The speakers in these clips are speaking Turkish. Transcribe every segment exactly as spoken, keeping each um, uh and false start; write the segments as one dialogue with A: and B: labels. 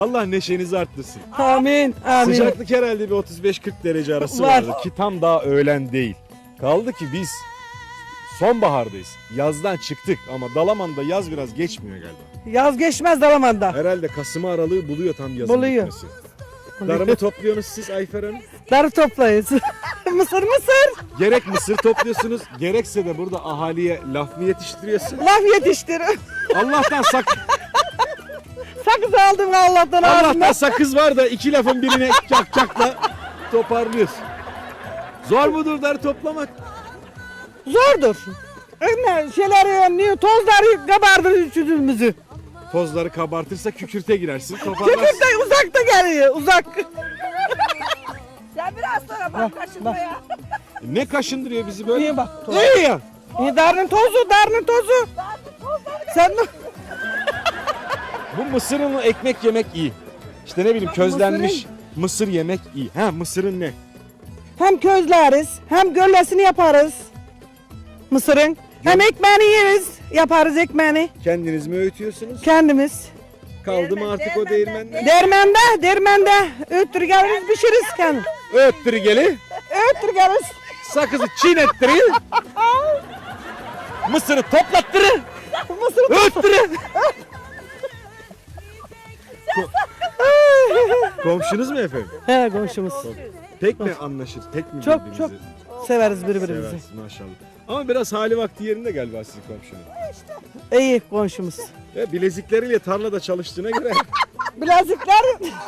A: Allah neşenizi arttırsın.
B: Amin. Amin.
A: Sıcaklık herhalde bir otuz beş kırk derece arası
B: Var.
A: vardı ki tam daha öğlen değil. Kaldı ki biz sonbahardayız. Yazdan çıktık ama Dalaman'da yaz biraz geçmiyor galiba.
B: Yaz geçmez Dalaman'da.
A: Herhalde Kasım aralığı buluyor tam yazın
B: Buluyor.
A: bitmesi. Darımı topluyorsunuz siz Ayfer Hanım.
B: Darı toplayız. Mısır mısır.
A: Gerek mısır topluyorsunuz, gerekse de burada ahaliye laf mı yetiştiriyorsun?
B: Laf yetiştir.
A: Allah'tan sak
B: Sakız aldım Allah'tan
A: Allah'tan
B: ağzımdan.
A: sakız var da iki lafın birine çak çakla toparlıyorsun. Zor mudur darı toplamak?
B: Zordur. Ne şeyler niye tozları kabardır yüzümüzü.
A: Tozları kabartırsa kükürte girersin, toparlarsın.
B: Kükürt de uzakta geliyor uzak.
C: Sen biraz sonra bak kaşınmaya.
A: Ne kaşındırıyor bizi böyle?
B: İyi bak.
A: İyi ya.
B: İyi darının tozu darının tozu. Sen de
A: Bu mısırın ekmek yemek iyi. İşte ne bileyim közlenmiş mısır yemek iyi. Ha mısırın ne?
B: hem közleriz hem göllesini yaparız. Mısırın. Hem ekmeğini yeriz. Yaparız ekmeğini.
A: Kendiniz mi öğütüyorsunuz?
B: Kendimiz.
A: Kaldı mı artık o değirmende?
B: Dermende, dermende öttür geliriz, pişiriz kendim.
A: Öğüttür geli,
B: Öttür geliriz.
A: sakızı çiğnettirir, mısırı toplattırır,
B: Mısır
A: öğüttürür. Komşunuz mu efendim?
B: He komşumuz.
A: Pek mi anlaşır, pek mi
B: Çok,
A: birbirinizi
B: çok severiz birbirimizi.
A: seversiniz maşallah. Ama biraz hali vakti yerinde galiba sizin komşunun.
B: İyi komşumuz.
A: Ve bilezikleriyle tarlada çalıştığına göre
B: Bilezikler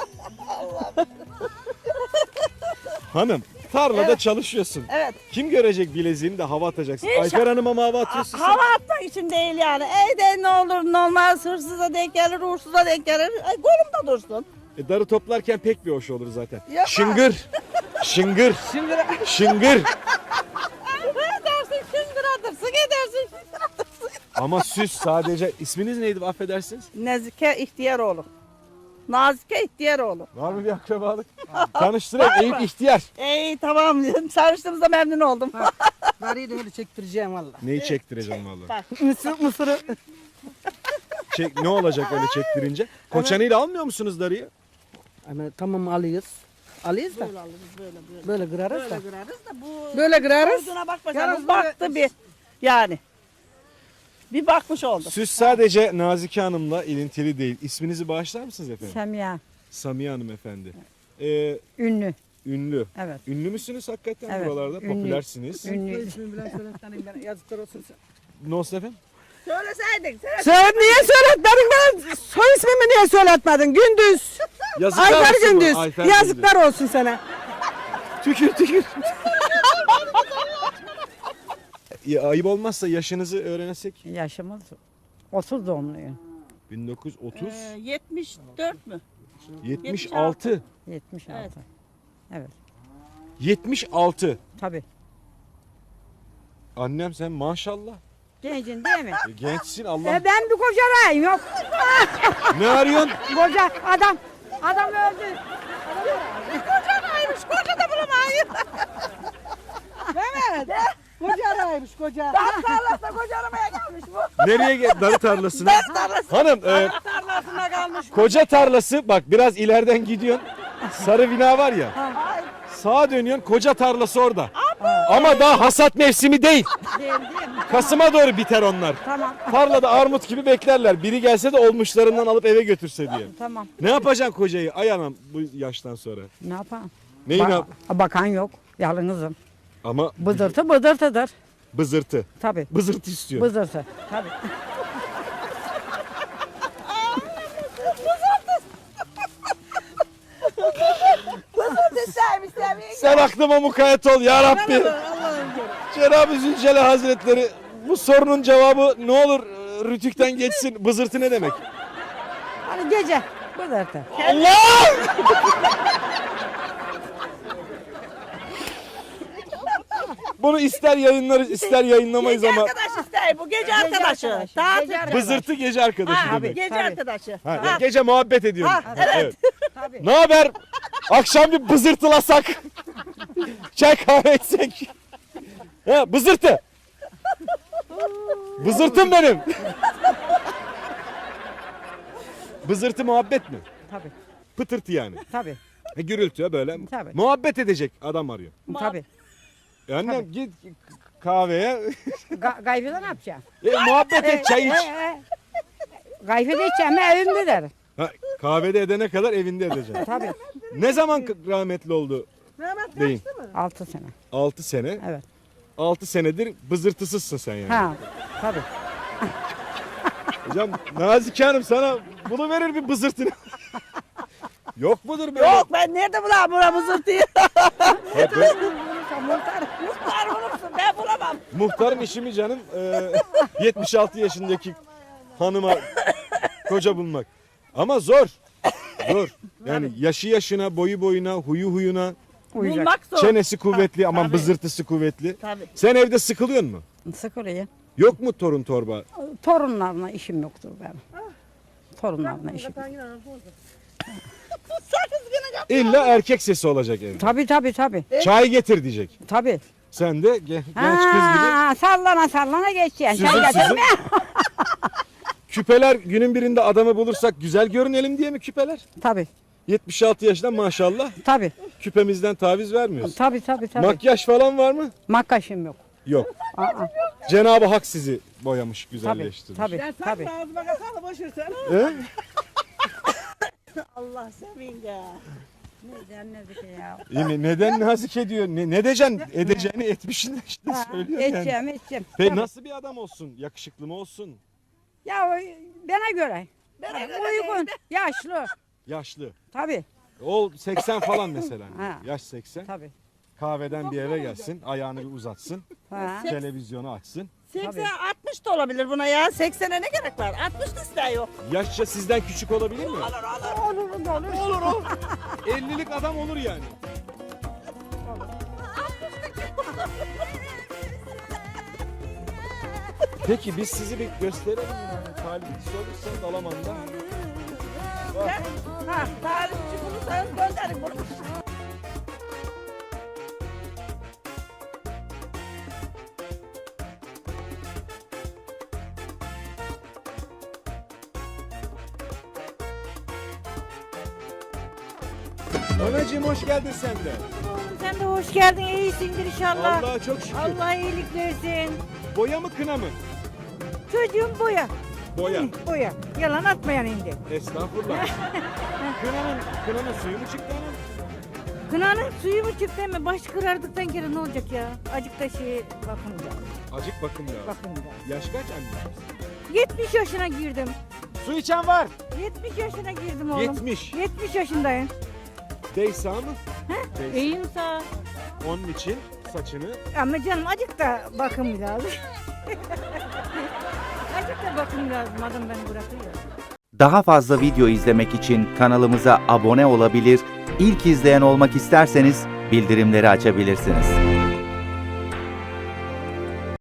A: hanım tarlada çalışıyorsun.
C: Evet.
A: Kim görecek bileziğini de hava atacaksın.
C: Hiç-
A: Ayfer Hanım'a mı hava atıyorsun sen?
C: Hava atmak için değil yani. Evde ne olur ne olmaz hırsıza denk gelir, uğursuza denk gelir. Ay, kolumda dursun.
A: E, darı toplarken pek bir hoş olur zaten.
C: Yapma.
A: Şıngır, şıngır, şıngır.
C: Edersin şıngıratırsın, edersin şıngıratırsın.
A: Ama süs sadece. İsminiz neydi affedersiniz?
C: Nezike İhtiyaroğlu. Nazike İhtiyaroğlu.
A: Var mı bir akrabalık? Tanıştırayım Eyüp İhtiyar.
C: İyi tamam. Tanıştığımızda memnun oldum.
B: Darıyı da öyle çektireceğim valla.
A: Neyi çektireceğim vallahi?
B: Mısır, mısırı.
A: Çek, ne olacak öyle çektirince? Koçanıyla almıyor musunuz darıyı?
B: Ama tamam alıyoruz. Alıyoruz da
C: Böyle alırız böyle böyle.
B: böyle kırarız da.
C: Böyle kırarız da bu
B: Böyle kırarız.
C: olduğuna bakma
B: Yalnız
C: canım.
B: böyle-
C: Baktı bir. Yani. Bir bakmış oldu.
A: Süs sadece Nazike Hanım'la ilintili değil. İsminizi bağışlar mısınız efendim?
D: Semiha,
A: Samiye Hanım efendi. Ee,
D: ünlü.
A: ünlü.
D: Evet.
A: Ünlü müsünüz hakikaten
D: Evet,
A: buralarda?
D: ünlü.
A: Popülersiniz.
D: Ünlü.
B: İsmini bilen söyletanayım ben. Yazıklar olsun.
A: Ne olsun efendim?
C: Söyleseydin. Söyle.
B: Söyle niye söyletmedin ben? Soy ismimi niye söyletmedin? Gündüz.
A: Yazıklar
B: Ayfer
A: olsun mu?
B: Gündüz.
A: Ayfer
B: Yazıklar olsun sana.
A: Tükür tükür. Ya, ayıp olmazsa yaşınızı öğrensek.
D: Yaşımız otuz doğumluyum.
A: bin dokuz yüz otuz,
C: Ee, yetmiş dört mü?
A: yetmiş altı.
D: yetmiş altı.
C: Evet.
D: Evet.
A: yetmiş altı.
D: Tabii.
A: Annem sen maşallah.
D: Gencin değil mi?
A: E, gençsin Allah.
D: e ben bir koca arayayım yok.
A: Ne arıyorsun?
D: Koca adam. Adam öldü.
C: Kocan aymış. Koca da bulamayın.
B: Evet. Koca araymış koca.
C: Daha tarlasına koca aramaya gelmiş bu.
A: Nereye gel? Darı tarlasına.
C: Tarlası.
A: Hanım e,
C: Tarlasına kalmış.
A: koca tarlası bak biraz ileriden gidiyorsun. Sarı bina var ya. Sağa dönüyorsun koca tarlası orada. Ama daha hasat mevsimi değil.
D: Değil değil mi?
A: Kasım'a doğru biter onlar.
D: Tamam.
A: Tarlada armut gibi beklerler. Biri gelse de olmuşlarından alıp eve götürse diye.
D: Tamam.
A: Ne yapacaksın kocayı? Ay anam bu yaştan sonra.
D: Ne yapalım?
A: Neyi ne
D: Ba-
A: yap?
D: Bakan yok. Yalnızım.
A: Ama
D: Bızırtı bızırtıdır.
A: bızırtı.
D: Tabii.
A: Bızırtı istiyor.
D: Bızırtı. Tabii.
C: Sevmiş sevmiş.
A: Sen aklıma mukayyet ol ya Rabbi.
C: Allah'ım
A: Cenab-ı Zülcelal Hazretleri bu sorunun cevabı ne olur e, rütükten geçsin. Bızırtı ne demek?
D: Hani gece bızırtı.
A: Allah! Bunu ister yayınlarız ister yayınlamayız
C: Gece
A: ama
C: arkadaş ister bu gece arkadaşı.
D: arkadaşı,
C: Tatil.
D: gece arkadaşı.
A: bızırtı gece arkadaşı
C: Ha,
A: demek.
C: gece
D: Tabii.
C: arkadaşı.
A: Ha,
C: Ha.
A: gece muhabbet ediyorum.
C: Ha, evet.
D: Tabii.
A: Ne haber? Akşam bir bızırtılasak. Çay kahve içsek. Ha, bızırtı. Bızırtım benim. Bızırtı muhabbet mi?
D: Tabii.
A: Pıtırtı yani.
D: Tabii.
A: E, gürültü böyle.
D: Tabii.
A: Muhabbet edecek adam arıyor.
D: Tabii.
A: E, annem git kahveye.
D: Ga Gayfede ne yapacaksın?
A: e, muhabbet et, çay iç.
D: E, e, Gayfede içeceğim evimde der.
A: Ha, kahvede edene kadar evinde edeceksin.
D: Tabii.
A: Ne zaman k- rahmetli oldu
B: Mehmet
A: beyin?
D: Altı sene.
A: altı sene.
D: Evet.
A: altı senedir bızırtısızsın sen yani.
D: Ha. Tabii.
A: Hocam Nazike Hanım sana bunu verir bir bızırtını. Yok mudur böyle?
C: Yok ben nerede bulayım buna mızırtıyı?
A: Ha, böyle-
C: Muhtar. Muhtar bulursun ben bulamam.
A: Muhtarın işi mi canım? Ee, yetmiş altı yaşındaki hanıma koca bulmak. Ama zor. Zor. Yani yaşı yaşına, boyu boyuna, huyu huyuna,
D: Uyuyacak.
C: Bulmak zor.
A: çenesi kuvvetli aman
C: Tabii.
A: bızırtısı kuvvetli.
C: Tabii.
A: Sen evde sıkılıyor mu?
D: Sıkılıyor.
A: Yok mu torun torba?
D: Torunlarla işim yoktur benim. Torunlarla işim.
C: Sakız gene yap.
A: İlla erkek sesi olacak evde.
D: Tabii tabii tabii.
A: Çay getir diyecek.
D: Tabii.
A: Sen de ge- genç kız gibi
D: Ha, sallana sallana geçeceksin.
A: süzül
D: Çay
A: süzül.
D: getirme.
A: Küpeler günün birinde adamı bulursak güzel görünelim diye mi küpeler?
D: Tabii.
A: yetmiş altı yaşında maşallah
D: Tabii.
A: küpemizden taviz vermiyoruz.
D: Tabii tabii tabii.
A: Makyaj falan var mı?
D: Makkaşım yok.
A: Yok.
D: Aa,
A: Cenab-ı Hak sizi boyamış,
D: tabii.
A: güzelleştirmiş.
D: Tabii.
B: Ben
D: Tabii.
B: sen ağzıma katsana boş ver sen.
A: He?
C: Allah senin ya.
D: ya.
A: İyi mi? Neden nazik ediyor? Ne, ne diyeceksin? Edeceğini etmişsin de işte söylüyor yani.
D: Edeceğim edeceğim.
A: Peki
D: Tabii.
A: nasıl bir adam olsun? Yakışıklı mı olsun?
D: Ya o- bana göre.
C: Bana göre
D: Uygun. Yaşlı.
A: Yaşlı.
D: Tabii.
A: Ol seksen falan mesela.
D: Ha.
A: Yaş seksen.
D: Tabii.
A: Kahveden bir eve gelsin. Ayağını bir uzatsın.
D: Ha.
A: Televizyonu açsın.
C: seksen altmış da olabilir buna ya. seksene ne gerek var? altmış da ister yok.
A: Yaşça sizden küçük olabilir mi?
C: Olur olur.
D: Olur da olur.
A: Olur o. ellilik adam olur yani. Peki biz sizi bir gösterelim yani. Talibiniz olursa Dalaman'da. Bak.
C: Ha, tarihçi bulursanız gönderin bunu.
A: Anacığım hoş geldin sen de.
E: Sen de hoş geldin, iyisindir inşallah.
A: Allah'a çok şükür.
E: Allah iyilik versin.
A: Boya mı kına mı?
E: Çocuğum boya.
A: Boya.
E: Hı, boya. Yalan atmayan indi.
A: Estağfurullah. kınanın, kınanın suyu mu çıktı hanım?
E: Kınanın suyu mu çıktı mı? Baş kırardıktan kere ne olacak ya? Acık da şey bakın ya.
A: Acık bakım lazım.
E: Bakın ya.
A: Yaş kaç anne?
E: yetmiş yaşına girdim.
A: Su içen var.
E: yetmiş yaşına girdim oğlum.
A: yetmiş.
E: yetmiş yaşındayım.
A: Deysa mı? Deysa.
E: İyiyim sağ.
A: Onun için saçını
E: Ama canım acık da bakım lazım. acık da bakım lazım. Adam beni bırakıyor.
F: Daha fazla video izlemek için kanalımıza abone olabilir, ilk izleyen olmak isterseniz bildirimleri açabilirsiniz.